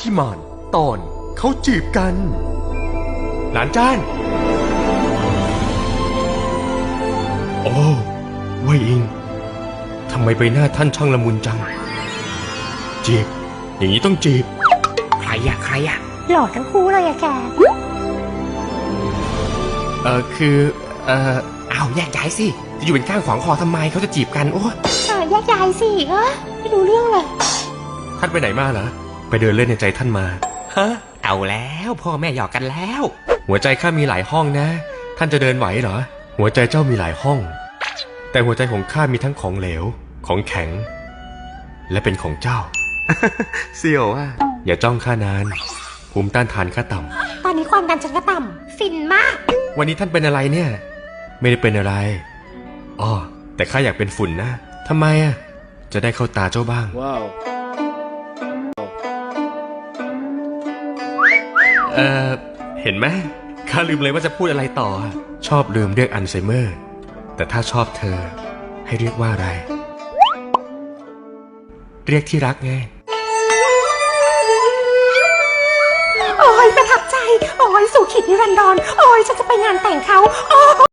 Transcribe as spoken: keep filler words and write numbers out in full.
ธิมานตอนเขาจีบกันหลานจ้านโอ้เว่ยอิงทำไมใบหน้าท่านช่างละมุนจังจีบอย่างนี้ต้องจีบใครอะใครอะหล่อทั้งคู่เลยอะแกเออคือเอออ้าวแยกย้ายสิจะอยู่เป็นข้างขวางคอทำไมเขาจะจีบกันโอ้ยเออแยกย้ายสิเออไม่รู้เรื่องเลยท่านไปไหนมาเหรอไปเดินเล่นในใจท่านมาฮะเอาแล้วพ่อแม่หยอกกันแล้วหัวใจข้ามีหลายห้องนะท่านจะเดินไหวเหรอหัวใจเจ้ามีหลายห้องแต่หัวใจของข้ามีทั้งของเหลวของแข็งและเป็นของเจ้า เสี่ยวอ่ะอย่าจ้องข้านานภูมิต้านทานข้าต่ำตอนนี้ความดันฉันก็ต่ำฟินมากวันนี้ท่านเป็นอะไรเนี่ยไม่ได้เป็นอะไรอ๋อแต่ข้าอยากเป็นฝุ่นนะทำไมอ่ะจะได้เข้าตาเจ้าบ้างว้าวเออเห็นไหมข้าลืมเลยว่าจะพูดอะไรต่อชอบลืมเรียกอัลไซเมอร์แต่ถ้าชอบเธอให้เรียกว่าอะไรเรียกที่รักไงโอ้ยประทับใจโอ้ยสู่ขิดนิรันดรโอ้ยฉันจะไปงานแต่งเขาโอ้